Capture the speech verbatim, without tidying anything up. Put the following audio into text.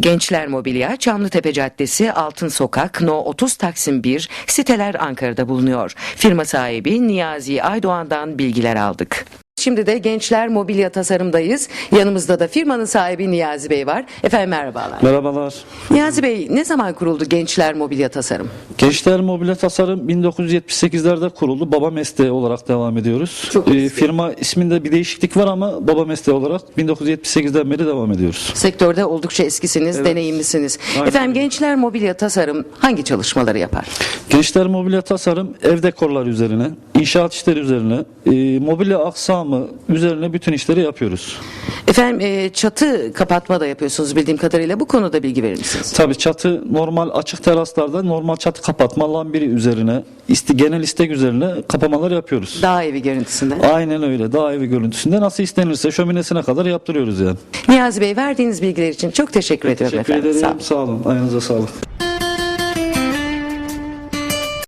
Gençler Mobilya, Çamlıtepe Caddesi, Altın Sokak, No otuz Taksim bir, siteler Ankara'da bulunuyor. Firma sahibi Niyazi Aydoğan'dan bilgiler aldık. Şimdi de Gençler Mobilya Tasarım'dayız. Yanımızda da firmanın sahibi Niyazi Bey var. Efendim merhabalar. Merhabalar. Niyazi Bey, ne zaman kuruldu Gençler Mobilya Tasarım? Gençler Mobilya Tasarım bin dokuz yüz yetmiş sekizlerde kuruldu. Baba mesleği olarak devam ediyoruz. Çok Ee, eski. firma isminde bir değişiklik var ama baba mesleği olarak bin dokuz yüz yetmiş sekizden beri devam ediyoruz. Sektörde oldukça eskisiniz, Evet. deneyimlisiniz. Aynen. Efendim Gençler Mobilya Tasarım hangi çalışmaları yapar? Gençler Mobilya Tasarım ev dekorları üzerine, inşaat işleri üzerine, e, mobilya aksamı üzerine bütün işleri yapıyoruz. Efendim e, çatı kapatma da yapıyorsunuz bildiğim kadarıyla. Bu konuda bilgi verir misiniz? Tabii çatı normal açık teraslarda normal çatı kapatma lambiri üzerine, isti, genel istek üzerine kapamalar yapıyoruz. Dağ evi görüntüsünde. Aynen öyle. Dağ evi görüntüsünde nasıl istenirse şöminesine kadar yaptırıyoruz yani. Niyazi Bey, verdiğiniz bilgiler için çok teşekkür ediyorum Teşekkür efendim. ederim. Sağ olun. Sağ olun. Ayağınıza sağlık.